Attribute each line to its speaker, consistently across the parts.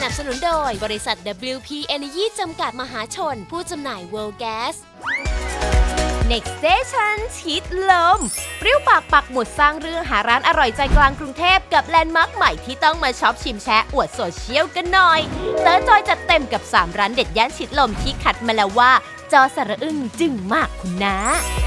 Speaker 1: นับสนุนโดยบริษัท WP Energy จำกัดมหาชนผู้จำหน่าย World Gas Next Station ชิดลมเปรี้ยวปากปักหมุดสร้างเรื่องหาร้านอร่อยใจกลางกรุงเทพกับแลนด์มาร์คใหม่ที่ต้องมาช็อปชิมแชะอวดโซเชียลกันหน่อยเต๋อจอยจัดเต็มกับ3ร้านเด็ดย่านชิดลมที่คัดมาแล้วว่าจอสระอึ้งจึงมากคุณนะ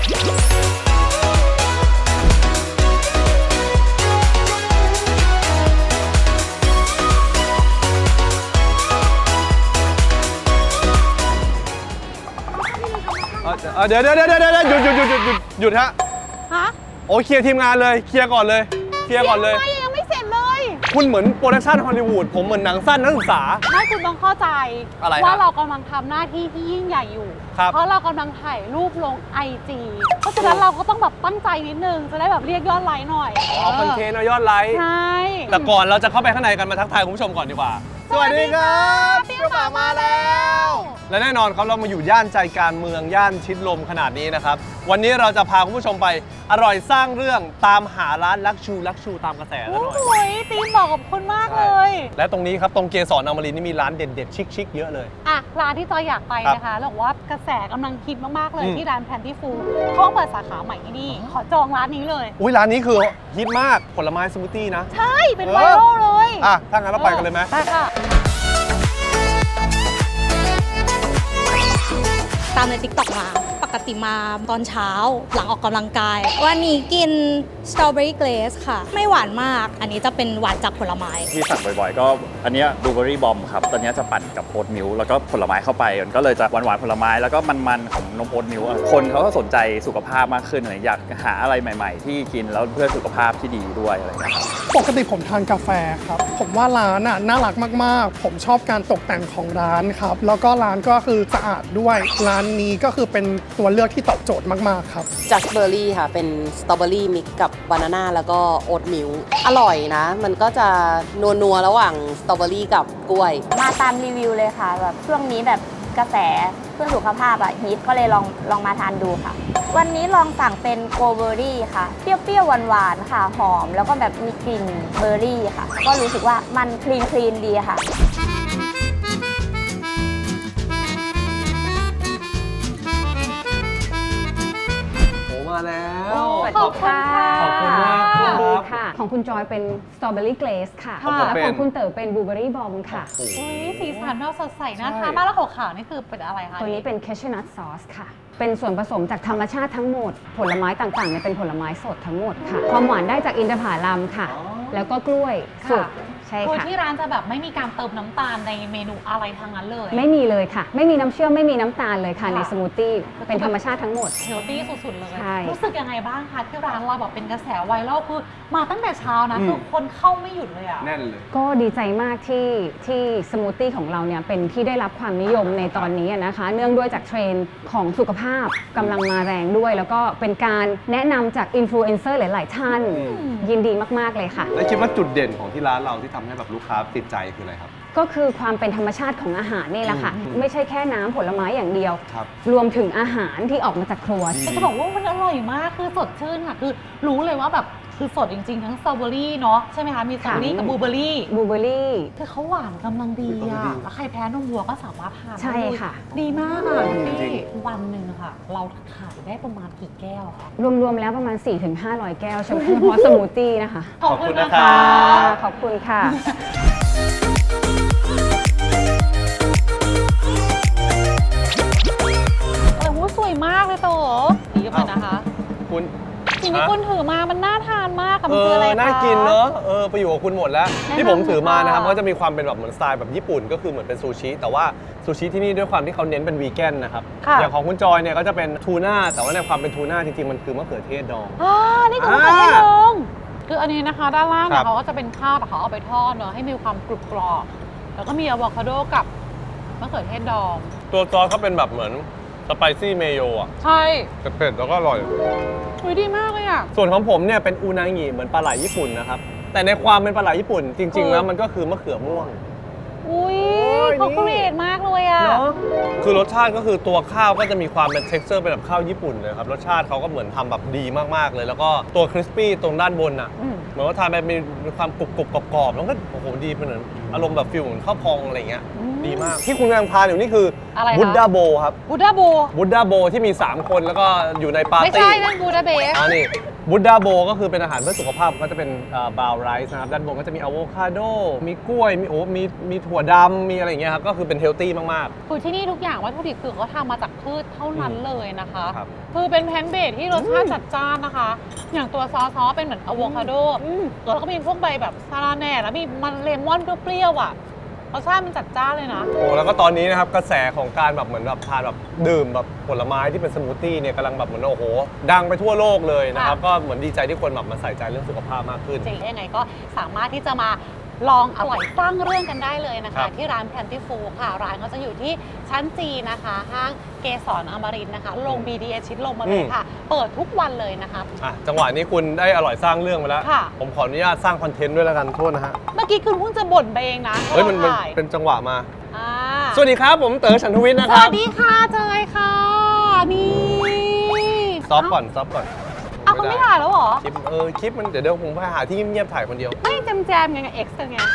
Speaker 2: เดี๋ยวหยุดฮะโอ้เคลียร์ทีมงานเลยเคลียร์ก่อนเลย
Speaker 3: ยังไม่เสร็จเลย
Speaker 2: คุณเหมือนโปรดักชั่นฮอลลีวูดผมเหมือนหนังสั้นนักศึกษา
Speaker 3: ไม่คุณต้องเข้าใจว่าเรากำลังทำหน้าที่ที่ยิ่งใหญ่อยู่เพราะเรากำลังถ่ายรูปลง IG เพราะฉะนั้นเราก็ต้องแบบตั้งใจนิดนึงจะได้แบบเรียกยอดไลค์หน่อย
Speaker 2: คอนเทนต์เอายอดไลค์
Speaker 3: ใช่
Speaker 2: แต่ก่อนเราจะเข้าไปข้างในกันมาทักทายคุณผู้ชมก่อนดีกว่าสวัสดีครับเปรี้ยวปากมาแล้วและแน่นอนครับเรามาอยู่ย่านใจกลางเมืองย่านชิดลมขนาดนี้นะครับวันนี้เราจะพาคุณผู้ชมไปอร่อยสร้างเรื่องตามหาร้านลักชูตามกระแสแล้วหน่อย
Speaker 3: โอ้ยตีมบอกกับคุณมากเลย
Speaker 2: และตรงนี้ครับตรงเกสรอมรินทร์นี่มีร้านเด็ดๆชิคๆเยอะเลย
Speaker 3: อ่ะร้านที่จอยอยากไปนะคะบอกว่ากระแสกำลังฮิตมากๆเลยที่ร้านแพนที่ฟูเขาเปิดสาขาใหม่ที่นี่ขอจองร้านนี้เลย
Speaker 2: อุ้ยร้านนี้คือฮิตมากผลไม้สมูทตี้นะ
Speaker 3: ใช่เป็นไวรัลเลย
Speaker 2: ถ้างั้นเราไปกันเลยไหม
Speaker 3: ไปค่ะ
Speaker 4: ตามใน TikTok มาปกติมาตอนเช้าหลังออกกำลังกายวันนี้กินสตรอเบอรี่เกรสค่ะไม่หวานมากอันนี้จะเป็นหวานจากผลไม้
Speaker 5: ที่สั่งบ่อยๆก็อันนี้บลูเบอรี่บอมครับตอนนี้จะปั่นกับโอ๊ตมิลค์แล้วก็ผลไม้เข้าไปมันก็เลยจะหวานๆผลไม้แล้วก็มันๆของนมโอ๊ตมิลค์คนเขาก็สนใจสุขภาพมากขึ้นอยากหาอะไรใหม่ๆที่กินแล้วเพื่อสุขภาพที่ดีด้วยอะไรอย่างเงี้ยครับ
Speaker 6: ปกติผมทานกาแฟครับผมว่าร้านน่ารักมากๆผมชอบการตกแต่งของร้านครับแล้วก็ร้านก็คือสะอาดด้วยร้านนี้ก็คือเป็นตัวเลือกที่ตอบโจทย์มากๆครับ
Speaker 7: จัสเบอร์รี่ค่ะเป็นสตรอเบอรี่มิกกับบานาน่าแล้วก็โอ๊ตมิลค์อร่อยนะมันก็จะนัวระหว่างสตรอเบอรี่กับกล้วย
Speaker 8: มาตามรีวิวเลยค่ะแบบช่วงนี้แบบกระแสเพื่อสุขภาพฮิตก็เลยลองมาทานดูค่ะวันนี้ลองสั่งเป็นโกเบอร์รี่ค่ะเปรี้ยวๆหวานๆค่ะหอมแล้วก็แบบมีกลิ่นเบอร์รี่ค่ะก็รู้สึกว่ามันคลีนดีค่ะ
Speaker 2: มาแล้ว
Speaker 3: ขอบคุณค่ะ
Speaker 2: ขอบคุณมาก
Speaker 9: ค่ะของคุณจอยเป็นสตรอเบอรี่เกรสค่ะและของคุณเต๋อเป็นบลูเบอรี่บอมค่ะ
Speaker 3: สีสันเราสดใสน่าทานมากแล้วขาวๆนี่คือเป็นอะไรคะ
Speaker 9: ตัวนี้เป็นแคชชูนัทซอสค่ะเป็นส่วนผสมจากธรรมชาติทั้งหมดผลไม้ต่างๆเนี่ยเป็นผลไม้สดทั้งหมดค่ะความหวานได้จากอินทผลัมค่ะแล้วก็กล้วยสุกใช่ค่ะ
Speaker 3: ที่ร้านจะแบบไม่มีการเติมน้ำตาลในเมนูอะไรทั้งนั้นเลย
Speaker 9: ไม่มีเลยค่ะไม่มีน้ำเชื่อมไม่มีน้ำตาลเลยค่ะในสมูทตี้เป็นธรรมชาติทั้งหมด
Speaker 3: เฮลตี้สุดๆเลย
Speaker 9: ใช่
Speaker 3: รู้สึกยังไงบ้างคะที่ร้านเราแบบเป็นกระแสไวรัลคือมาตั้งแต่เช้านะคือคนเข้าไม่หยุดเลยอะ
Speaker 2: แน่นเลย
Speaker 9: ก็ดีใจมากที่สมูทตี้ของเราเนี่ยเป็นที่ได้รับความนิยมในตอนนี้นะคะเนื่องด้วยจากเทรนด์ของสุขภาพกำลังมาแรงด้วยแล้วก็เป็นการแนะนำจากอินฟลูเอนเซอร์หลายๆท่านยินดีมากๆเลยค่ะ
Speaker 2: แล้วคิดว่าจุดเด่นของที่ร้านเราที่ทำให้แบบลูกค้าติดใจคืออะไรครับ
Speaker 9: ก็คือความเป็นธรรมชาติของอาหารนี่แหละค่ะไม่ใช่แค่น้ำผลไม้อย่างเดียวรวมถึงอาหารที่ออกมาจากครัว
Speaker 3: จะบอกว่ามันอร่อยมากคือสดชื่นค่ะคือรู้เลยว่าแบบคือสดจริงๆทั้งสตรอเบอรี่เนาะใช่ไหมคะมีสตรอเบอรี่กับบลูเบอรี่คือเขาหวานกำลังดีอ่ะแล้วใครแพ้นมวัวก็สามารถทาน
Speaker 9: ใช่ค่ะ
Speaker 3: ดีมากอ่ะพี่วันหนึ่งค่ะเราขายได้ประมาณกี่แก้วคะ
Speaker 9: รวมๆแล้วประมาณ 4-500 แก้วเฉพาะสมูทตี้นะคะ
Speaker 3: ขอบคุณนะคะ
Speaker 9: ขอบคุณค่ะ
Speaker 3: สวยมากเลยโตดีกันนะคะ
Speaker 2: คุณ
Speaker 3: สิ่งที่คุณถือมามันน่าทานมากกับมันคืออะไรคะ
Speaker 2: น่ากินเนอะไปอยู่กับคุณหมดแล้วที่ผมถือมานะครับก็จะมีความเป็นแบบเหมือนสไตล์แบบญี่ปุ่นก็คือเหมือนเป็นซูชิแต่ว่าซูชิที่นี่ด้วยความที่เขาเน้นเป็นวีแกนนะครับอย่างของคุณจอยเนี่ยก็จะเป็นทูน่าแต่ว่าในความเป็นทูน่าจริงๆมันคือมะเขือเทศดอง
Speaker 3: นี่คือมะเขือเทศดองคืออันนี้นะคะด้านล่างเนี่ยเขาก็จะเป็นข้าวแต่เขาเอาไปทอดเนอะให้มีความกรุบกรอบแล้วก็มีอะโวคาโดกับมะเขือเทศดอง
Speaker 2: ตัวซอสเขาเป็นแบบเหมือนสไปซี่เมโยอ่ะ
Speaker 3: ใช่
Speaker 2: เผ็ดแล้วก็อร่อย
Speaker 3: ดีมากเลยอ่ะ
Speaker 2: ส่วนของผมเนี่ยเป็นอูนางิเหมือนปลาไหลญี่ปุ่นนะครับแต่ในความเป็นปลาไหลญี่ปุ่นจริงๆแล้วมันก็คือมะเขือม่วง
Speaker 3: อุ้ยเขาครีเอทมากเลยอ่ะ
Speaker 2: คือรสชาติก็คือตัวข้าวก็จะมีความเป็น texture เป็นแบบข้าวญี่ปุ่นเลยครับรสชาติเขาก็เหมือนทำแบบดีมากๆเลยแล้วก็ตัวคริสปี้ตรงด้านบนอ่ะเหมือนว่าทานไปมีความกรุบกรอบๆแล้วก็โอ้โหดีเหมือนอารมณ์แบบฟิลเหมือนข้าวพองอะไรเงี้ยดีมากที่คุณกำลังทานอยู่นี่คืออะไรบุดดาโบครับ
Speaker 3: บูดาโบ
Speaker 2: บุดดาโบที่มี3คนแล้วก็อยู่ในปาร์ตี้
Speaker 3: ไม่ใช่นั่นบูดาเบส
Speaker 2: นี่บุดดาโบก็คือเป็นอาหารเพื่อสุขภาพก็จะเป็นบราวน์ไรซ์นะครับด้านบนก็จะมีอะโวคาโดมีกล้วยมีถั่วดำมีอะไรอย่างเงี้ยครับก็คือเป็นเฮลตี้มากๆ
Speaker 3: คือที่นี่ทุกอย่างวัตถุดิบคือเขาทำมาจากพืชเท่านั้นเลยนะคะ
Speaker 2: ครับ
Speaker 3: คือเป็นแพนเบสที่รสชาติจัดจ้านนะคะ อย่างตัวซอสเป็นเหมือนอะโวคาโดแล้วก็มีพวกใบแบบซาลาแหน่แล้วมีมันเลมอนเปรี้ยวๆอ่ะรสชาติมันจัดจ้านเลยนะ
Speaker 2: โอ้แล้วก็ตอนนี้นะครับกระแสของการแบบเหมือนแบบทานแบบดื่มแบบผลไม้ที่เป็นสมูทตี้เนี่ยกำลังแบบเหมือนโอ้โหดังไปทั่วโลกเลยนะครับก็เหมือนดีใจที่คนแบบมาใส่ใจเรื่องสุขภาพมากขึ้น
Speaker 3: จริงยังไงก็สามารถที่จะมาลองอร่อยสร้างเรื่องกันได้เลยนะ
Speaker 2: ครั
Speaker 3: คะ
Speaker 2: บ
Speaker 3: ที่ร้าน Plentiful ค่ะร้านก็จะอยู่ที่ชั้นจีนะคะ ห้างเกสรอมรินทร์นะคะ ลง BTS ชิดลมมาเลยค่ะ เปิดทุกวันเลยนะคะ
Speaker 2: จังหวะนี้คุณได้อร่อยสร้างเรื่องไปแล้ว
Speaker 3: ค่ะ
Speaker 2: ผมขออนุญาตสร้างคอนเทนต์ด้วยแล้วกันโทษนะฮะ
Speaker 3: เมื่อกี้คุณเพิ่งจะบ่นไปเองนะ
Speaker 2: เฮ้ยมัน
Speaker 3: ว่าราถ่าย
Speaker 2: เป็นจังหวะมา
Speaker 3: อ่า
Speaker 2: สวัสดีครับผมเต๋อฉันทวิทย์นะ
Speaker 3: ส
Speaker 2: ครับ
Speaker 3: วัสดีค่ะเจยค่ะ นี่
Speaker 2: ซอฟก่อนซอฟก่อน
Speaker 3: อ้าวคุณไม่ถ่ายแล้วเหรอ
Speaker 2: คลิปมันเดี๋ยวผมไปหาที่เงียบๆถ่ายคนเดียว
Speaker 3: ไม่แจมๆไงกับ X กันไง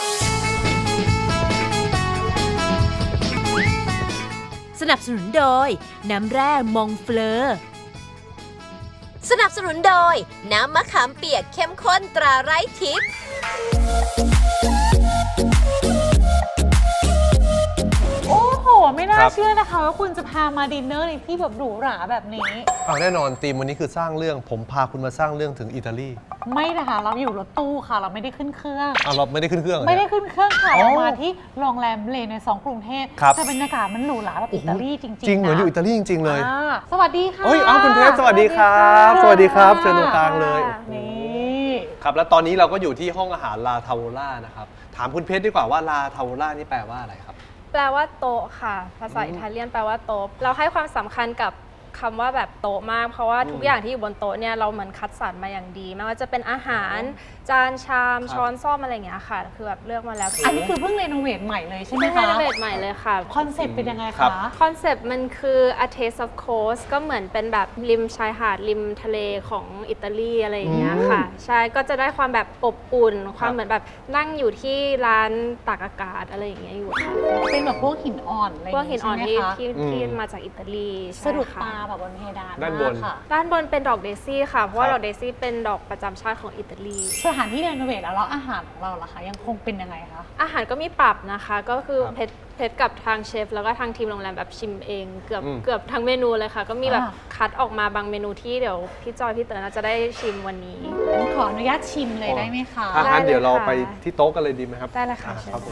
Speaker 1: สนับสนุนโดย น้ำแร่มองเฟลอสนับสนุนโดย น้ำมะขามเปียกเข้มข้นตราไร้ทิพย์
Speaker 3: โอ้โห ไม่น่า
Speaker 2: ครับ
Speaker 3: เชื่อนะคะว่าคุณจะพามาดินเนอร์ในที่แบบหรูหราแบบนี้
Speaker 2: แน่นอนธีมวันนี้คือสร้างเรื่องผมพาคุณมาสร้างเรื่องถึงอิตาลี
Speaker 3: ไม่นะคะเราอยู่รถตู้ค่ะ เราไม่ได้ขึ้นเครื่อง
Speaker 2: เราไม่ได้ขึ้นเครื่องเหรอ
Speaker 3: ไม่ได้
Speaker 2: เนี่ย
Speaker 3: ขึ้นเครื่องค่ะ
Speaker 2: อ๋อ
Speaker 3: เรามาที่โรงแรมเลใน2กรุงเทพ
Speaker 2: ครับ
Speaker 3: แต่บรรยากาศมันหรูหราแบบอิตาลีจริงๆ
Speaker 2: จริงเหมือน
Speaker 3: นะ
Speaker 2: อยู่อิตาลีจริงๆเลย
Speaker 3: อ่าสวัสดีค่ะ
Speaker 2: เอ้ยคุณเพชรสวัสดีครับ สวัสดีครับเชิญตรงกลางเลย
Speaker 3: นี่
Speaker 2: ครับแล้วตอนนี้เราก็อยู่ที่ห้องอาหารลาทาโวล่านะครับถามคุณเพชรดีกว่าว่าลาทาโวล่านี่แปลว่าอะไรครับ
Speaker 10: แปลว่าโต๊ะค่ะ ภาษาอิตาเลียนแปลว่าโต๊ะ เราให้ความสำคัญกับคำว่าแบบโต๊ะมาก เพราะว่าทุกอย่างที่อยู่บนโต๊ะเนี่ยเราเหมือนคัดสรรมาอย่างดี ไม่ว่าจะเป็นอาหาร จานชาม
Speaker 2: ครับ
Speaker 10: ช้อนซ่อมอะไรอย่างเงี้ยค่ะ คือแบบเลือกมาแล้ว
Speaker 3: อันนี้คือเพิ่งรีโนเวทใหม่เลยใช่ไหม
Speaker 10: เพิ่ง
Speaker 3: คะ
Speaker 10: รีโนเวทใหม่เลยค่ะ
Speaker 3: คอนเซ็ปต์เป็นยังไง
Speaker 2: ครั
Speaker 3: คะ
Speaker 2: บ
Speaker 10: คอนเซปต์มันคือ a taste of coast ก็เหมือนเป็นแบบริมชายหาดริมทะเลของอิตาลีอะไรอย่างเงี้ยค่ะ ใช่ ก็จะได้ความแบบอบอุ่น ความเหมือนแบบนั่งอยู่ที่ร้านตากอากาศอะไรอย่างเงี้ยอยู่ค่ะ
Speaker 3: เป็นแบบพวกหินอ่อนอะไรอ
Speaker 10: พว
Speaker 3: ย่าก ง
Speaker 10: หิ
Speaker 3: งี้
Speaker 10: นอ่อน
Speaker 3: ใช่ไหม
Speaker 10: ที่
Speaker 3: คะ
Speaker 10: ที่มาจากอิตาลีใช่
Speaker 3: สะดุด
Speaker 10: ค่ะ
Speaker 3: ตาแบบบนเพดาน
Speaker 2: ด้านบน
Speaker 3: มกค่ะ
Speaker 10: ด้านบนเป็นดอกเดซี่ค่ะ เพราะว่า
Speaker 2: ครับ
Speaker 10: ดอกเดซี่เป็นดอกประจำชาติของอิตาลี
Speaker 3: สถานที่รีโนเวทแล้วอาหารของเราล่ะคะยังคงเป็นยังไงคะ
Speaker 10: อาหารก็มีปรับนะคะ ก็คือ
Speaker 2: ครับ
Speaker 10: เพชรกับทางเชฟแล้วก็ทางทีมโรงแรมแบบชิมเองเกือบ
Speaker 2: อืม
Speaker 10: เกือบทั้งเมนูเลยค่ะ ก็มีแบบ
Speaker 3: อ่า
Speaker 10: คัดออกมาบางเมนูที่เดี๋ยวพี่จอยพี่เต๋อน่าจะได้ชิมวันนี้
Speaker 3: งั้นขออนุญาตชิมเลยได้ไหมคะ
Speaker 2: ถ้างั้น
Speaker 10: ได้เลย
Speaker 2: เดี๋ยวเรา
Speaker 10: ค่ะ
Speaker 2: ไปที่โต๊ะกันเลยดีไหมครับ
Speaker 10: ได้เลยค่ะ
Speaker 2: อ่า
Speaker 10: เชิญ
Speaker 2: ครับผม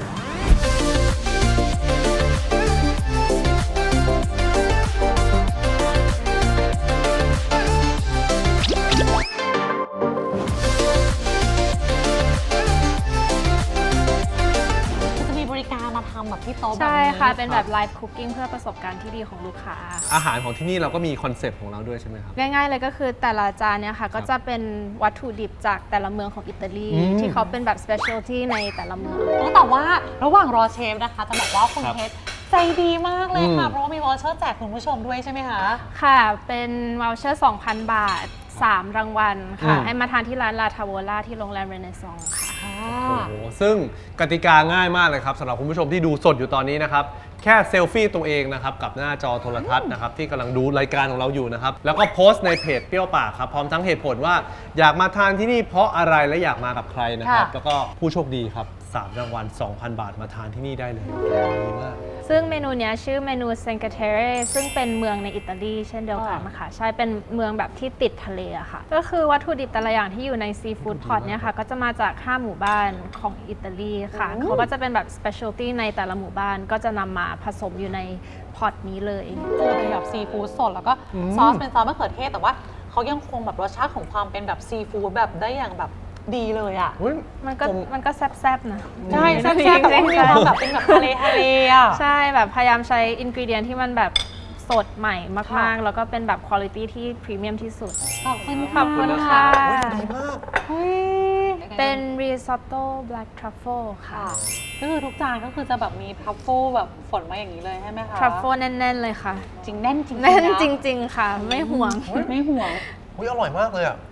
Speaker 3: จะมีบริการมาทำแบบที่โต๊ะแบบ
Speaker 10: ใช่
Speaker 3: นี้
Speaker 10: ค่ะ เป็นแบบไลฟ์คุกกิ้งเพื่อประสบการณ์ที่ดีของลูกค้า
Speaker 2: อาหารของที่นี่เราก็มีคอนเซปต์ของเราด้วยใช่ไหมครับ
Speaker 10: ง่ายๆเลยก็คือแต่ละจานเนี่ยค่ะ ก็จะเป็นวัตถุดิบจากแต่ละเมืองของอิตาลี ที่เขาเป็นแบบ specialty ในแต่ละเมือง
Speaker 3: แต่ว่าระหว่างรอเชฟนะคะ จะบอกว่าคุณ
Speaker 2: ครับ
Speaker 3: เพชรใจดีมากเลยค่ะ
Speaker 2: อืม
Speaker 3: เพราะว่ามีวอเชอร์แจกคุณผู้ชมด้วยใช่ไหมคะ
Speaker 10: ค่ะ เป็นว o ลเชอร์ 2,000 บาท 3 รางวัลค่ะ ให้มาทานที่ร้านลาทาโวล่าที่โรงแรมเรเนซองค่ะ
Speaker 2: โอ้โหซึ่งกติกาง่ายมากเลยครับสำหรับคุณผู้ชมที่ดูสดอยู่ตอนนี้นะครับแค่เซลฟี่ตัวเองนะครับกับหน้าจอโทรทัศน์นะครับที่กำลังดูรายการของเราอยู่นะครับแล้วก็โพสต์ในเพจเปรี้ยวปากครับพร้อมทั้งเหตุผลว่าอยากมาทานที่นี่เพราะอะไรและอยากมากับใครนะครับ
Speaker 3: ค่ะ
Speaker 2: แล้วก็ผู้โชคดีครับ3 รางวัล 2,000 บาทมาทานที่นี่ได้เลยดีมาก
Speaker 10: ซึ่งเมนูเนี้ยชื่อเมนูเซนกาเทเรซึ่งเป็นเมืองในอิตาลีเช่นเดียวกันค่ะใช่เป็นเมืองแบบที่ติดทะเลอะค่ะ ก็คือวัตถุดิบแต่ละอย่างที่อยู่ในซีฟู้ดพอตเนี่ยค่ะ ก็จะมาจาก 5 หมู่บ้านของอิตาลีค่ะ เขาก็จะเป็นแบบ specialty ในแต่ละหมู่บ้านก็จะนำมาผสมอยู่ในพอตนี้เลย
Speaker 3: เจอเป็นแบบซีฟู้ดสดแล้วก็ซอสเป็นซอสมะเขือเทศแต่ว่าเขายังคงแบบรสชาติของความเป็นแบบซีฟู้ดแบบได้อย่างแบบดีเลยอ่ะ
Speaker 10: มันก็แซ่บๆนะ
Speaker 3: ใช่แซ่บๆแต่ว่ามีความแบบเป็นแบบทะเลอ่ะ
Speaker 10: ใช่แบบพยายามใช้อินกรีเดียนที่มันแบบสดใหม่มาก
Speaker 3: ค่ะ
Speaker 10: ๆ แล้วก็เป็นแบบคุณภาพที่พรีเมียมที่สุด
Speaker 3: ขอบคุณ
Speaker 10: ขอบคุณค่ะ
Speaker 2: ดีมาก
Speaker 10: เป็นรีซอตโต้แบล็กทรัฟเฟิลค่ะ
Speaker 3: ก็คือทุกจานก็คือจะแบบมีทรัฟเฟิลแบบฝนมาอย่างนี้เลยใช่ไหมคะ
Speaker 10: ทรัฟเฟิลแน่น ๆ เลยค่ะ
Speaker 3: จริงแน่นจริงๆ
Speaker 10: แน่น
Speaker 3: นะ
Speaker 10: จริง ๆ ค่ะ ไม่ห่วง
Speaker 3: ไม่ห่วง
Speaker 2: อุ๊ยอร่อยมากเลยอ่ะ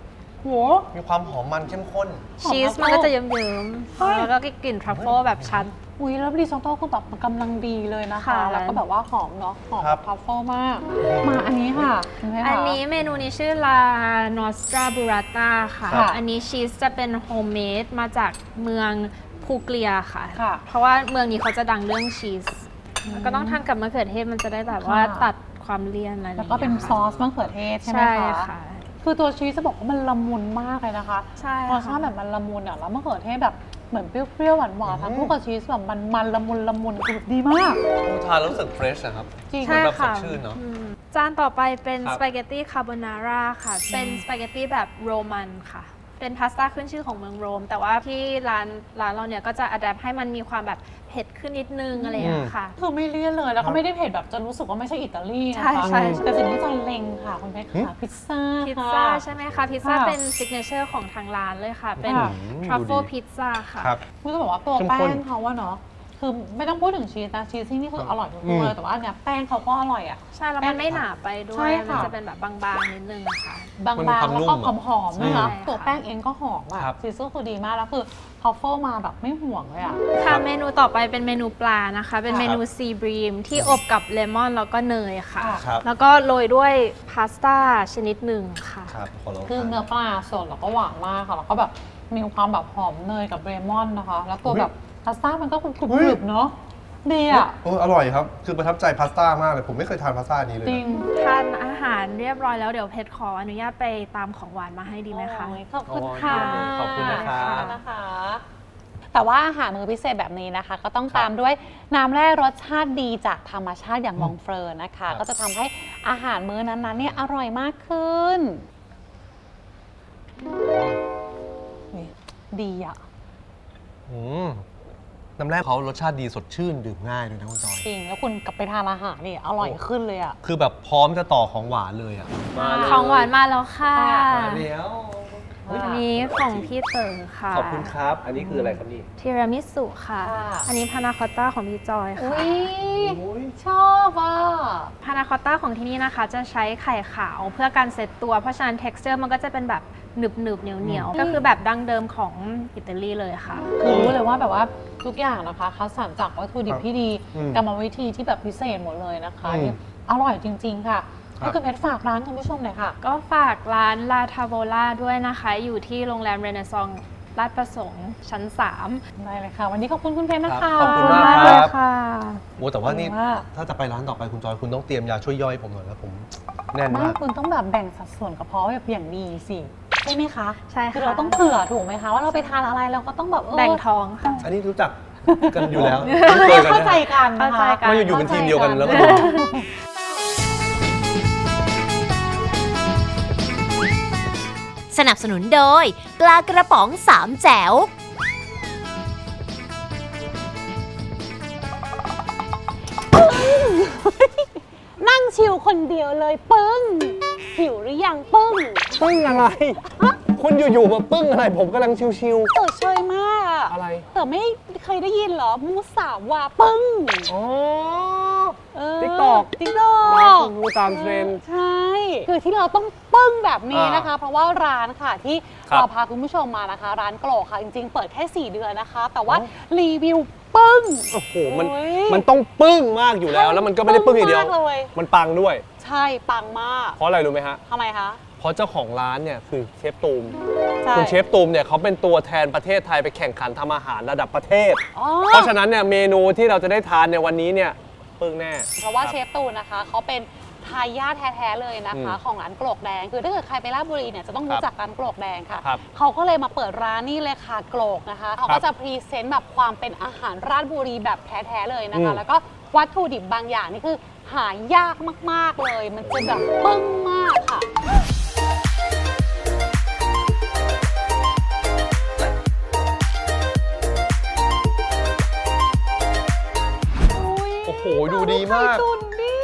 Speaker 3: โห
Speaker 2: มีความหอมมันเข้มข้น
Speaker 10: ชีสมันก็จะเยิ้มๆแล้วก็กลิ่นทรัฟเฟิลแบบชัด
Speaker 3: อุ้ยแล้วริซอตโต้คือแบบมันกำลังดีเลยนะคะ
Speaker 10: ค่ะ
Speaker 3: แล้วก็แบบว่าหอมเนาะหอม
Speaker 2: ครับ
Speaker 3: ทรัฟเฟิลมาก มาอันนี้ค่ะเห็นไหมคะ
Speaker 10: อันนี้เมนูนี้ชื่อ La Nostra Burrata ค่ะ
Speaker 3: ค่ะ
Speaker 10: อันนี้ชีสจะเป็นโฮมเมดมาจากเมืองพูเกลียค่ะ
Speaker 3: ค่ะ
Speaker 10: เพราะว่าเมืองนี้เขาจะดังเรื่องชีสก็ต้องทานกับมะเขือเทศมันจะได้แบบว่า
Speaker 3: ค่ะ
Speaker 10: ตัดความเลี่ยนอะไร
Speaker 3: แล้วก็เป็นซอสมะเขือเทศใช่ไหม
Speaker 10: ใช่
Speaker 3: คะ
Speaker 10: ค่ะ
Speaker 3: คือตัวชีสจะบอกว่ามันละมุนมากเลยนะคะ
Speaker 10: ใช่
Speaker 3: รสชาติแบบมันละมุนอ่ะแล้วมะเขือเทศแบบเหมือนเปรี้ยวๆหวานๆทั้งคู่กับชีสแบบมันละมุนคือแบบดีมาก
Speaker 2: ทานแล้วรู้สึกเฟรชนะครับ
Speaker 3: จริง
Speaker 2: เหมือนแบบสดชื่นเนาะ
Speaker 10: จานต่อไปเป็น
Speaker 2: ครับ
Speaker 10: สปาเกตตี้คาโบนาร่าค่ะ เป็นสปาเกตตี้แบบโรมันค่ะ เป็นพาสต้าขึ้นชื่อของเมืองโรม แต่ว่าที่ร้านเราเนี่ยก็จะอัดแอปให้มันมีความแบบเผ็ดขึ้นนิดนึงอะไรอย่างเงี้ยค่ะ
Speaker 3: คือไม่เลี่ยนเลยแล้วก็ไม่ได้เผ็ดแบบจนรู้สึกว่าไม่ใช่อิตาลีนะคะ
Speaker 10: ใช่
Speaker 3: แต่สิ่งที่จอยเล็งค่ะคุณเพชรค่ะพิซซ่า
Speaker 10: พิซ
Speaker 3: ค่ะ
Speaker 10: ซ่าใช่ไหมคะ พิซซ่า
Speaker 3: ค่ะ
Speaker 10: เป็นซิกเนเจอร์ของทางร้านเลยค่ะ เป็น
Speaker 3: ค่ะ
Speaker 10: ทรัฟเฟิล
Speaker 2: ดูดี
Speaker 10: พิซซ่าค่ะ
Speaker 2: ครับ
Speaker 3: คุณจะบอกว่าตัว
Speaker 2: เข้ม
Speaker 3: แป้
Speaker 2: ข้น
Speaker 3: งเขาว่าเนาะคือไม่ต้องพูดถึงชีสนะชีสที่นี่คืออร่อยทุก
Speaker 2: อื
Speaker 3: ตัว
Speaker 2: ม
Speaker 3: เลยแต่ว่าอันเนี่ยแป้งเขาก็อร่อยอ่ะ
Speaker 10: ใช่ แล้วมันไม่หนาไปด้ว
Speaker 3: ใช่
Speaker 10: ย
Speaker 3: ค่ะ
Speaker 10: มันจะเป็นแบบบางๆนิดนึงอะค่ะ
Speaker 3: บาง
Speaker 2: มันมีความ
Speaker 3: ๆแล้ว
Speaker 2: นุ่
Speaker 3: ก็
Speaker 2: ม
Speaker 3: หอมๆนะคะ
Speaker 10: ใช่ค่ะ
Speaker 3: ตัวแป้งเองก็หอมอ่ะ
Speaker 2: ครับ
Speaker 3: ชีสก็คือดีมากแล้วคือทรัฟเฟิลมาแบบไม่ห่วงเลยอ่ะ
Speaker 10: ค่ะเมนูต่อไปเป็นเมนูปลานะคะ เป็นเมนูซีบรีมที่อบกับเลมอนแล้วก็เนยค่ะ
Speaker 2: ครับ
Speaker 10: แล้วก็โรยด้วยพาสต้าชนิดหนึ่งค่ะ
Speaker 2: ครับขอลอง
Speaker 3: คือ
Speaker 2: ทาน
Speaker 3: เนื้อปลาสดแล้วก็หวานมากค่ะแล้วก็แบบมีความแบบหอมเนยกับเบรมอนนะคะ แล้วตัวแบบพาสต้ามันก็กรุบๆเนาะดีอ่ะ
Speaker 2: อร่อยครับ คือประทับใจพาสต้ามากเลย ผมไม่เคยทานพาสต้านี้เลย
Speaker 3: จริง
Speaker 10: ทานอาหารเรียบร้อยแล้วเดี๋ยวเพชรขออนุญาตไปตามของหวานมาให้ดีไหมคะ
Speaker 3: โอ้ยขอบคุณค่ะ
Speaker 2: ขอบคุณนะครับ
Speaker 3: นะคะ แต่ว่าอาหารมื้อพิเศษแบบนี้นะคะ ก็ต้องตามด้วยน้ำแร่รสชาติดีจากธรรมชาติอย่างมองเฟอร์นะคะ ก็จะทำให้อาหารมื้อนั้นๆเนี่ยอร่อยมากขึ้นนี่ดีอ่ะ
Speaker 2: อืมน้ำแรกเขารสชาติดีสดชื่นดื่มง่ายด้วยนะคุณจอย
Speaker 3: จริง แล้วคุณกลับไปทานอาหารนี่อร่อยขึ้นเลยอ่ะ
Speaker 2: คือแบบพร้อมจะต่อของหวานเลยอ่ะมาเลย
Speaker 10: ของหวานมาแล้วค่ะ
Speaker 2: มาแล้ว
Speaker 10: อันนี้ของพี่เต๋อค่ะ
Speaker 2: ขอบคุณครับ อันนี้คืออะไรครับนี่
Speaker 10: ทีรามิสุค่ะ
Speaker 3: ค่ะ
Speaker 10: อันนี้พานาคอตต้าของพี่จอยค่ะ
Speaker 3: อุ้ยชอบอ่ะ
Speaker 10: พานาคอตต้าของที่นี่นะคะ จะใช้ไข่ขาวเพื่อการเซตตัว เพราะฉะนั้น texture มันก็จะเป็นแบบหนึบๆเหนียวๆ ก็คือแบบดั้งเดิมของอิตาลีเลยค่ะ
Speaker 3: คือรู้เลยว่าแบบว่าทุกอย่างนะคะคัดสรรจากวัตถุดิบที่ดี
Speaker 2: อืม
Speaker 3: กรรมวิธีที่แบบพิเศษหมดเลยนะคะ
Speaker 2: อืม
Speaker 3: อร่อยจริง ๆ ค่ะ
Speaker 2: ครับ
Speaker 3: ก็คือเพชรฝากร้านคุณผู้ชมหน่อยค่ะ
Speaker 10: ก็ฝากร้านลาทาโวล่าด้วยนะคะ อยู่ที่โรงแรมเรเนซองลาดประสงค์ชั้น 3
Speaker 3: ได้เลยค่ะ วันนี้ขอบคุณคุณเพชรนะคะ
Speaker 2: ขอบคุณมาก
Speaker 10: เล
Speaker 2: ค
Speaker 10: ย
Speaker 2: รับ
Speaker 10: ค่ะ
Speaker 2: โอ้แต่ว่านี่
Speaker 3: ขอบคุณมาก
Speaker 2: ถ้าจะไปร้านต่อไปคุณจอยคุณต้องเตรียมยาช่วยย่อยผมหน่อยแล้วผมแน่น
Speaker 3: ไม่
Speaker 2: มาก
Speaker 3: คุณต้องแบบแบ่งสัดส่วนกระเพาะแบบอย่างดีสิใช่ไหมคะ
Speaker 10: ใช่ค่ะ
Speaker 3: คือเราต้องเผื่อถูกไหมคะว่าเราไปทานอะไรเราก็ต้องแบบ
Speaker 10: แบ่งท้องค่ะ
Speaker 2: อันนี้รู้จักกันอยู่แล้ว
Speaker 3: เข้าใจกันนะ
Speaker 10: เข้าใจ
Speaker 3: คะ
Speaker 10: กัน
Speaker 2: ไม่อยู่เป็นทีมเดียวกันแล้วก็
Speaker 1: สนับสนุนโดยปลากระป๋องสามแจ๋ว
Speaker 3: นั่งชิลคนเดียวเลยปึ้งหิวหรือยังปึ้ง
Speaker 2: ปึ้งอะไร คุณอยู่ๆมาปึ้งอะไร ผมกำลังชิว
Speaker 3: เต๋อเชยมากอะ
Speaker 2: อะไร
Speaker 3: เต๋อไม่เคยได้ยินเหรอมูสาวาปึ้ง
Speaker 2: ๆอ๋อ
Speaker 3: TikTok
Speaker 2: มาคุณรู้ตามเทรนด์
Speaker 3: ใช่ คือที่เราต้องปึ้งแบบนี้นะคะ เพราะว่าร้านค่ะที่
Speaker 2: ครับ
Speaker 3: เราพาคุณผู้ชมมานะคะ ร้านโกรกค่ะ จริงๆ เปิดแค่ 4 เดือนนะคะ แต่ว่ารีวิวปึ้ง
Speaker 2: โอ้โห มัน
Speaker 3: โอ้ย
Speaker 2: มันต้องปึ้งมากอยู่แล้ว แล้วมันก็ไม่ได้ปึ้งอย่างเดียว
Speaker 3: ปึ้งมากเลย
Speaker 2: มันปังด้วย
Speaker 3: ใช่ปังมาก
Speaker 2: เพราะอะไรรู้ไหมฮะ
Speaker 3: ทำไมคะ
Speaker 2: เพราะเจ้าของร้านเนี่ยคือเชฟตูม
Speaker 3: ใช่
Speaker 2: คุณเชฟตูมเนี่ยเขาเป็นตัวแทนประเทศไทยไปแข่งขันทำอาหารระดับประเทศ
Speaker 3: อ๋อ
Speaker 2: เพราะฉะนั้นเนี่ยเมนูที่เราจะได้ทานในวันนี้เนี่ยปึ้งแน่
Speaker 3: เพราะว่า
Speaker 2: คบ
Speaker 3: เชฟตูนนะคะเขาเป็นทายาทแท้ๆเลยนะคะ ของร้านโกรกแดง คือถ้าเกิดใครไปราชบุรีเนี่ยจะต้องรู้จักร้านโกรกแดงค่ะ
Speaker 2: ครับ
Speaker 3: เขาก็เลยมาเปิดร้านนี่เลยค่ะโกรกนะคะเขาก็จะพรีเซนต์แบบความเป็นอาหารราชบุรีแบบแท้ๆเลยนะคะ แล้วก็วัตถุดิบบางอย่างนี่คือหายากมากๆเลย มันจะแบบปึ้งมากค่ะ
Speaker 2: โอ้โห ดูดีมาก
Speaker 3: ไข่ตุ๋นดิ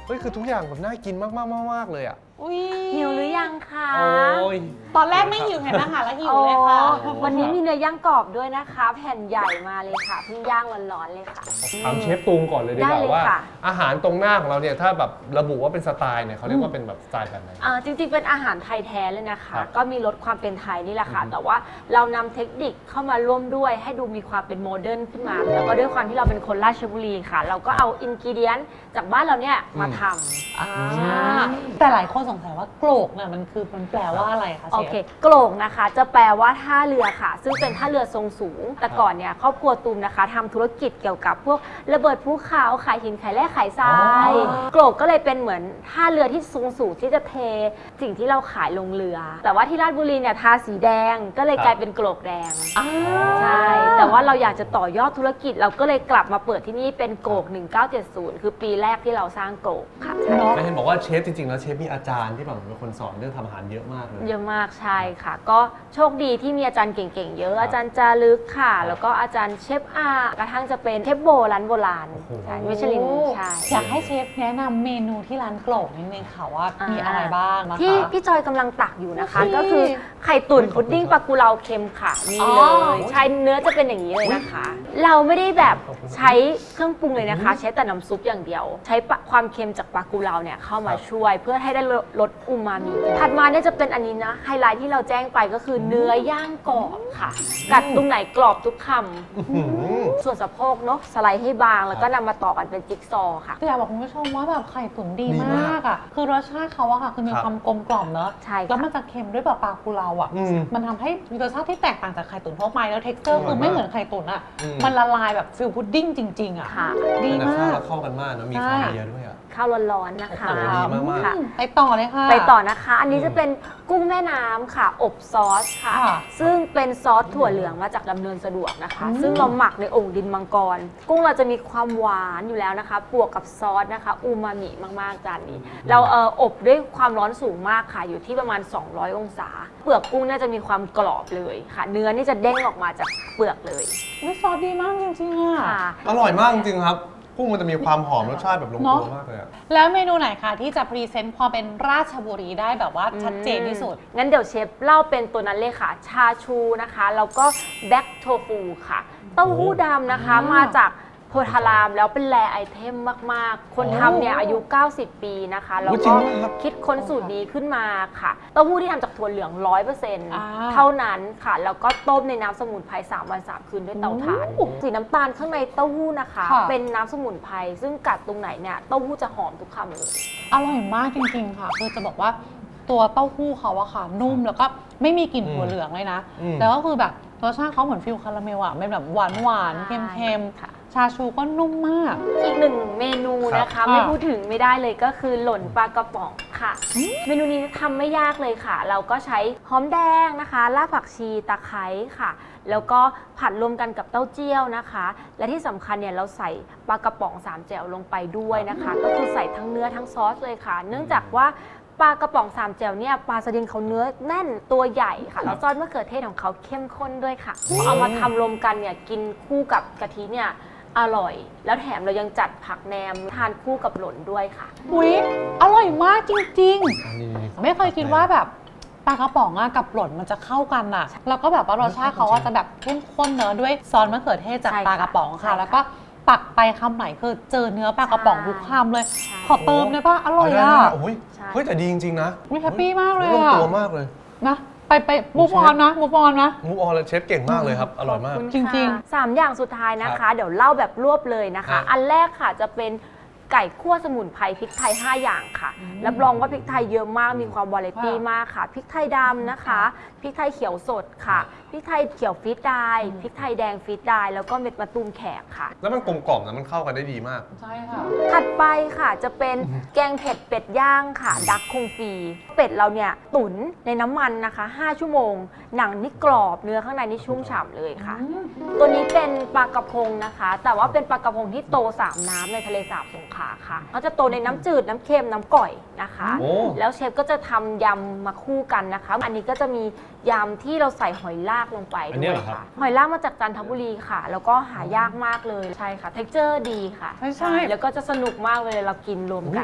Speaker 2: เฮ้ยคือทุกอย่างแบบน่ากินมากๆเลยอ่ะ
Speaker 3: อุ้ย
Speaker 8: หิวหรือยังคะ
Speaker 2: โอ้ย
Speaker 3: ตอนแรกไม่หิวเห็นอาหารแล้วหิวเลยค่ะ
Speaker 8: โอ้วันนี้มีเนื้อย่างกรอบด้วยนะคะ แผ่นใหญ่มาเลยค่ะเพิ่งย่างร้อนๆเลยค่ะ
Speaker 2: ถามเชฟตูงก่อนเลยดีก
Speaker 8: ได้
Speaker 2: ว่า
Speaker 8: เลย
Speaker 2: ว่า
Speaker 8: ค่ะ
Speaker 2: อาหารตรงหน้าของเราเนี่ยถ้าแบบระบุว่าเป็นสไตล์เนี่ยเขาเรียกว่าเป็นแบบสไตล์แบบไหน
Speaker 8: จริงๆ เป็นอาหารไทยแท้เลยนะคะ
Speaker 2: ครับ
Speaker 8: ก็มีรสความเป็นไทยนี่แหละค่ะ แต่ว่าเรานำเทคนิคเข้ามาร่วมด้วยให้ดูมีความเป็นโมเดิร์นขึ้นมา แล้วก็ด้วยความที่เราเป็นคนราชบุรีค่ะ เราก็เอาอินกิเดียนจากบ้านเราเนี่ยมาทำ
Speaker 3: แต่หลายคนสงสัยว่าโกรกเนี่ยมันแปลว่าอะไรคะเช
Speaker 8: โอ
Speaker 3: ฟ
Speaker 8: เคโกลกนะคะจะแปลว่าท่าเรือค่ะ ซึ่งเป็นท่าเรือทรงสูง แต่ก่อนเนี่ยครอบครัวตูมนะคะทำธุรกิจเกี่ยวกับพวกระเบิดภูเขาขายหินขายแร่ขายทรายโกลกก็เลยเป็นเหมือนท่าเรือที่สูงที่จะเทสิ่งที่เราขายลงเรือ แต่ว่าที่ราชบุรีเนี่ยทาสีแดงก็เลยกลายเป็นโกลกแดงใช่แต่ว่าเราอยากจะต่อยอดธุรกิจเราก็เลยกลับมาเปิดที่นี่เป็นโกลก1970 คือปีแรกที่เราสร้างโกลกค่ะ
Speaker 2: แล้วเห็นบอกว่าเชฟจริงๆแล้วเชฟมีอาจารย์ที่แบบเป็นคนสอนเรื่องทำอาหารเยอะมากเลย
Speaker 8: เยอะมากใช่ค่ะ ก็โชคดีที่มีอาจารย์เก่งๆ เยอะอาจารย์จารึกค่ะ แล้วก็อาจารย์เชฟอากระทั่งจะเป็นเชฟโบร้านโบราณใช่มิชลินใช่
Speaker 3: อยากให้เชฟแนะนำเมนูที่ร้านโกรกนิดนึงค่ะว่ามีอะไรบ้างนะคะ
Speaker 8: ที่พี่จอยกำลังตักอยู่นะคะ
Speaker 3: อุ๊ย
Speaker 8: ก็คือไข่ตุ๋นพุดดิ้งปลากุเลาเค็มค่ะนี่
Speaker 3: อ๋
Speaker 8: เล
Speaker 3: อ
Speaker 8: ยใช่เนื้อจะเป็นอย่างนี้เลยนะคะ เราไม่ได้แบบใช้เครื่องปรุงเลยนะคะ ใช้แต่น้ำซุปอย่างเดียว ใช้ความเค็มจากปลากุเลาเนี่ยเข้ามาช่วย เพื่อให้ได้รสอูมามิถัดมาเนี่ยจะเป็นอันนี้นะไฮไลท์ที่เราแจ้งไปก็คือเนื้อย่างกรอบค่ะ กัดตรงไหนกรอบทุกคำส่วนสะโพกเนาะสไลด์ให้บางแล้วก็นำมาต่อกันเป็นจิ๊กซอว์ค่ะ
Speaker 3: คืออยากบอกคุณผู้ชมว่าแบบไข่ตุ๋นดี
Speaker 2: ดี
Speaker 3: ม
Speaker 2: มาก
Speaker 3: ากอ่ะ คือรสชาติเขาอะค่ะ คือมี
Speaker 2: ครับ
Speaker 3: ความกลมกล่อมเนอะ
Speaker 8: ใช่ค่ะ
Speaker 3: แล้วมันจะเค็มด้วยปลากุเลาอ่ะ มันทำให้มีรสชาติที่แตกต่างจากไข่ตุ๋นทั่วไปแล้วเท็กเจอร์คือไม่เหมือนไข่ตุ๋นอ่ะ มันละลายแบบฟิลพุดดิ้งจริงๆอ่ะ
Speaker 8: ค่ะ
Speaker 3: ดี
Speaker 2: แต่
Speaker 3: มา
Speaker 2: ข้าว
Speaker 3: ก
Speaker 2: แล้วเข้ากันมากนะมีข้าวเยอะด้วยอ่ะ
Speaker 8: ข้าวร้อนๆนะคะ
Speaker 2: โอ้โหดีมากๆ
Speaker 8: ค่ะ
Speaker 3: ไปต่อเลยค่ะ
Speaker 8: ไปต่อนะคะ อันนี้จะเป็นกุ้งแม่น้ำค่ะ อบซอสค่ะ
Speaker 3: ค่ะ
Speaker 8: ซึ่งเป็นซอสถั่วเหลืองมาจากดำเนินสะดวกนะคะ ซึ่งเราหมักในโอ่งดินมังกร กุ้งเราจะมีความหวานอยู่แล้วนะคะบวกกับซอสนะคะ อูมามิมากๆจานนี้ เราอบด้วยความร้อนสูงมากค่ะ อยู่ที่ประมาณ 200 องศา เปลือกกุ้งน่าจะมีความกรอบเลยค่ะ เนื้อนี่จะเด้งออกมาจากเปลือกเลย
Speaker 3: อุ๊ยซอสดีมากจริงๆอ่ะ
Speaker 8: ค่ะ
Speaker 2: อร่อยมากจริงๆครับกุ้งมันจะมีความหอมรสชาติแบบลง
Speaker 3: เน
Speaker 2: ตัว
Speaker 3: อะ
Speaker 2: มากเลยอ่ะ
Speaker 3: แล้วเมนูไหนคะที่จะพรีเซนต์ความเป็นราชบุรีได้แบบว่าชัดเจนที่สุด
Speaker 8: งั้นเดี๋ยวเชฟเล่าเป็นตัวนั้นเลยค่ะ ชาชูนะคะ แล้วก็แบล็กโทฟูค่ะ เต้าหู้ดำนะคะ
Speaker 3: อ๋อ
Speaker 8: มาจากโพธารามแล้วเป็นแรไอเทมมากๆ คนทำเนี่ยอายุ 90 ปีนะคะ แล้ว
Speaker 2: จริ
Speaker 8: ก็
Speaker 2: งมากครับ
Speaker 8: คิดค้นสูตรนี้ขึ้นมาค่ะ เต้าหู้ที่ทำจากถั่วเหลือง 100%เท่านั้นค่ะ แล้วก็ต้มในน้ำสมุนไพร3 วัน 3 คืนด้วยเตาถ่าน สีน้ำตาลข้างในเต้าหู้นะคะ เป็นน้ำสมุนไพรซึ่งกัดตรงไหนเนี่ยเต้าหู้จะหอมทุกคำเลย
Speaker 3: อร่อยมากจริงๆค่ะ คือจะบอกว่าตัวเต้าหู้เขาอะค่ะ นุ่มแล้วก็ไม่มีกลิ่นถั่วเหลืองเลยนะ แล้วก็คือแบบรสชาติเขาเหมือนฟิลคาราเมลอะเป็นแบบหวานๆ
Speaker 8: ใช่
Speaker 3: เค็ม
Speaker 8: ค่ะ
Speaker 3: ๆ ชาชูก็นุ่มมาก
Speaker 8: อีกหนึ่งเมนูนะคะ
Speaker 3: ครับ
Speaker 8: ไม่พูดถึงไม่ได้เลยก็คือหล่นปลากระป๋องค่ะ เมนูนี้ทำไม่ยากเลยค่ะ เราก็ใช้หอมแดงนะคะรากผักชีตะไคร้ค่ะ แล้วก็ผัดรวมกันกับเต้าเจี้ยวนะคะ และที่สำคัญเนี่ยเราใส่ปลากระป๋อง3แจ่วลงไปด้วยนะคะ ก็คือใส่ทั้งเนื้อทั้งซอสเลยค่ะ เนื่องจากว่าปลากระป๋อง3แจ่วเนี่ยปลาสลิดเขาเนื้อแน่นตัวใหญ่ค่ะแล้วซอสมะเขือเทศของเขาเข้มข้นด้วยค่ะพอเอามาทำรวมกันเนี่ยกินคู่กับกะทิเนี่ยอร่อย แล้วแถมเรายังจัดผักแหนมทานคู่กับหล่นด้วยค่ะ
Speaker 3: อุ๊ย อร่อยมากจริง
Speaker 2: อันนี้
Speaker 3: ๆ ไม่เคยคิดว่าแบบปลากระป๋องอะกับหล่นมันจะเข้ากันอะแล้วก็แบบว่ารสชาติเขาอะจะแบบเข้มข้นเนอะด้วยซอสมะเขือเทศจาก
Speaker 8: ใช่ค่ะ
Speaker 3: ปลากระป๋อง
Speaker 8: ใช่
Speaker 3: ค่ะ
Speaker 8: ค่ะ
Speaker 3: แล้วก็ตักไปคำไหนคือเจอเนื้อปลากระป๋องทุกคำเลย
Speaker 8: ใช่
Speaker 3: ขอเติมได้ปะอร่อย
Speaker 2: ได้
Speaker 3: อะ
Speaker 2: โอ้ย
Speaker 8: ใช่
Speaker 2: เฮ้ยแต่ดีจริงๆนะ
Speaker 3: อุ๊ยแฮปปี้มากเลย
Speaker 2: ลง
Speaker 3: อะ
Speaker 2: ตัวมากเลย
Speaker 3: นะไปมูฟออนนะมูฟออนนะ
Speaker 2: มูฟออนแล้วเชฟเก่งมากเลยครับ อร่อยมาก
Speaker 8: ขบคุณ
Speaker 3: จริง
Speaker 8: ค่ะสามอย่างสุดท้ายนะ
Speaker 2: ครั
Speaker 8: คะ
Speaker 2: บ
Speaker 8: เดี๋ยวเล่าแบบรวบเลยนะ
Speaker 2: ครั
Speaker 8: คะ
Speaker 2: บ
Speaker 8: อันแรกค่ะจะเป็นไก่คั่วสมุนไพรพริกไทย 5 อย่างค่ะรับรองว่าพริกไทยเยอะมากมีความวาไรตี้มากค่ะพริกไทยดำนะคะพริกไทยเขียวสดค่ะพริกไทยเขียวฟีดไดร์พริกไทยแดงฟีดไดร์แล้วก็เม็ดมะตูมแขกค่ะ
Speaker 2: แล้วมันกลมกล่อมนะมันเข้ากันได้ดีมาก
Speaker 3: ใช่ค่ะ
Speaker 8: ถัดไปค่ะจะเป็นแกงเผ็ดเป็ดย่างค่ะดักคงฟีเป็ดเราเนี่ยตุ๋นในน้ำมันนะคะ5 ชั่วโมง หนังนี่กรอบเนื้อข้างในนี่ชุ่มฉ่ำเลยค่ะ ตัวนี้เป็นปลากระพงนะคะ แต่ว่าเป็นปลากระพงที่โต3 น้ำในทะเลสาบสงขลาค่ะเขาจะโตในน้ำจืดน้ำเค็มน้ำก่อยนะคะ
Speaker 2: โอ้
Speaker 8: แล้วเชฟก็จะทำยำมาคู่กันนะคะ อันนี้ก็จะมียำที่เราใส่หอยลากลงไป
Speaker 2: อัน
Speaker 8: ด้
Speaker 2: นี้
Speaker 8: วย
Speaker 2: เหรอครับ
Speaker 8: ค่ะ หอยลากมาจากจันทบุรีค่ะ แล้วก็หายากมากเลยใช่ค่ะ เท็กเจอร์ดีค่ะ
Speaker 3: ใช่
Speaker 8: แล้วก็จะสนุกมากเลยเรากินรวมกัน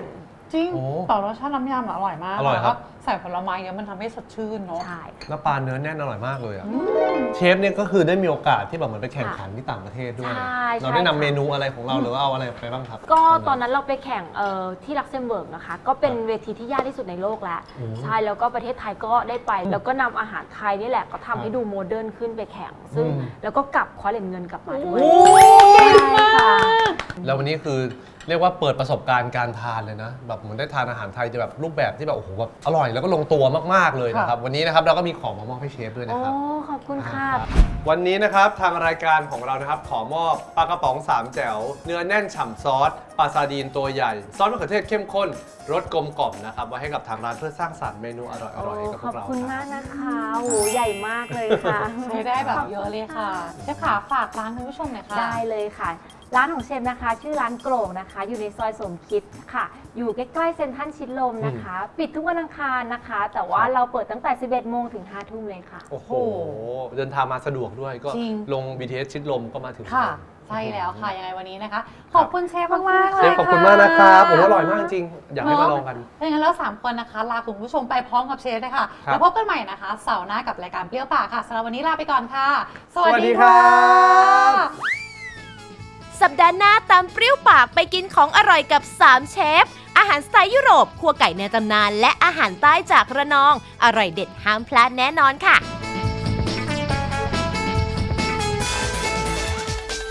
Speaker 3: จริง
Speaker 2: โอ้
Speaker 3: ต่อรสชาติน้ำยำอร่อยมาก
Speaker 2: อร่อยครับ
Speaker 3: แล้วก็ใส่ผลไม้เยอะมันทำให้สดชื่นเนาะ
Speaker 8: ใช่
Speaker 2: แล้วปลาเนื้อแน่นอร่อยมากเลยอะเชฟเนี่ยก็คือได้มีโอกาสที่แบบเหมือนไปแข่งขันที่ต่างประเทศด้วย
Speaker 11: ใช่
Speaker 2: เราได้นำ
Speaker 11: ใช่
Speaker 2: เมนูอะไรของเราหรือว่าเอาอะไรไปบ้างครับ
Speaker 11: ก็ตอนนั้นเราไปแข่งที่ลักเซมเบิร์กนะคะ ก็เป็นเวทีที่ยากที่สุดในโลกแล้ว
Speaker 2: โอ้
Speaker 11: ใช่ แล้วก็ประเทศไทยก็ได้ไป แล้วก็นำอาหารไทยนี่แหละก็ทำให้ดูโมเดิร์นขึ้นไปแข่ง ซึ่ง
Speaker 2: อืม
Speaker 11: แล้วก็กลับคว้าเหรียญเงินกลับมาด้วย
Speaker 3: เก่งมาก
Speaker 11: ใช่ค่ะ
Speaker 2: แล้ววันนี้คือเรียกว่าเปิดประสบการณ์การทานเลยนะแบบเหมือนได้ทานอาหารไทยจะแบบรูปแบบที่แบบโอ้โหแบบอร่อยแล้วก็ลงตัวมากๆเลยนะครับวันนี้นะครับเราก็มีของมามอบให้เชฟด้วย
Speaker 11: โอ้
Speaker 2: นะครับ
Speaker 11: ขอบคุณค่ะ
Speaker 2: วันนี้นะครับทางรายการของเรานะครับขอมอบปลากระป๋อง3แจ๋วเนื้อแน่นฉ่ำซอสปลาซาดีนตัวใหญ่ซอสมะเขือเทศเข้มข้นรสกลมกล่อมนะครับไว้ให้กับทางร้านเพื่อสร้างสรรค์เมนูอร่อยๆให้กับพ
Speaker 11: ข
Speaker 2: ว
Speaker 11: อบ
Speaker 2: กเรา
Speaker 11: คุณ
Speaker 2: ค
Speaker 11: มา
Speaker 2: รั
Speaker 11: ก
Speaker 2: บ
Speaker 11: นะคะโหใหญ่มากเลยค่ะ
Speaker 3: ใช้ได้แบบเยอะเลยค่ะเชฟขาฝากร้านคุณผู้ชมหน่อยค่ะ
Speaker 11: ได้เลยค่ะ ร้านของเชฟนะคะ ชื่อร้านโกร่งนะคะ อยู่ในซอยสมคิดค่ะ อยู่ใกล้ๆเซ็นทรัลชิดลมนะคะ ปิดทุกวันอังคารนะคะ แต่ว่าเราเปิดตั้งแต่ 11 โมงถึง 5 ทุ่มเลยค่ะ
Speaker 2: โอ้โหเดินทางมาสะดวกด้วยก็
Speaker 3: จริง
Speaker 2: ลง BTS ชิดลมก็มาถึง
Speaker 3: ค่ะ ใช่แล้วค่ะ ยังไงวันนี้นะคะ ขอบคุณเชฟมากๆเล
Speaker 2: เช
Speaker 3: ย
Speaker 2: ฟขอบคุณมากนะครับผมว่าอร่อยมากจริงอยากให้มาลองกัน
Speaker 3: ถ้าอย่างนั้นเรา3คนนะคะ ลาคุณผู้ชมไปพร้อมกับเชฟเลยค่ะ
Speaker 2: ครับ
Speaker 3: แล้วพบกันใหม่นะคะ เสาร์หน้ากับรายการเปรี้ยวปากค่ะสำหรับวันนี้ลาไปก่อนค่ะ ส
Speaker 2: ส
Speaker 3: วัส
Speaker 2: วัส
Speaker 3: ดี
Speaker 2: ดีค
Speaker 3: ค่ะ
Speaker 2: รับ
Speaker 1: สัปดาห์หน้าตามเปรี้ยวปากไปกินของอร่อยกับ 3 เชฟ อาหารสไตล์ยุโรป ครัวไก่ในตำนาน และอาหารใต้จากระนอง อร่อยเด็ดห้ามพลาดแน่นอนค่ะ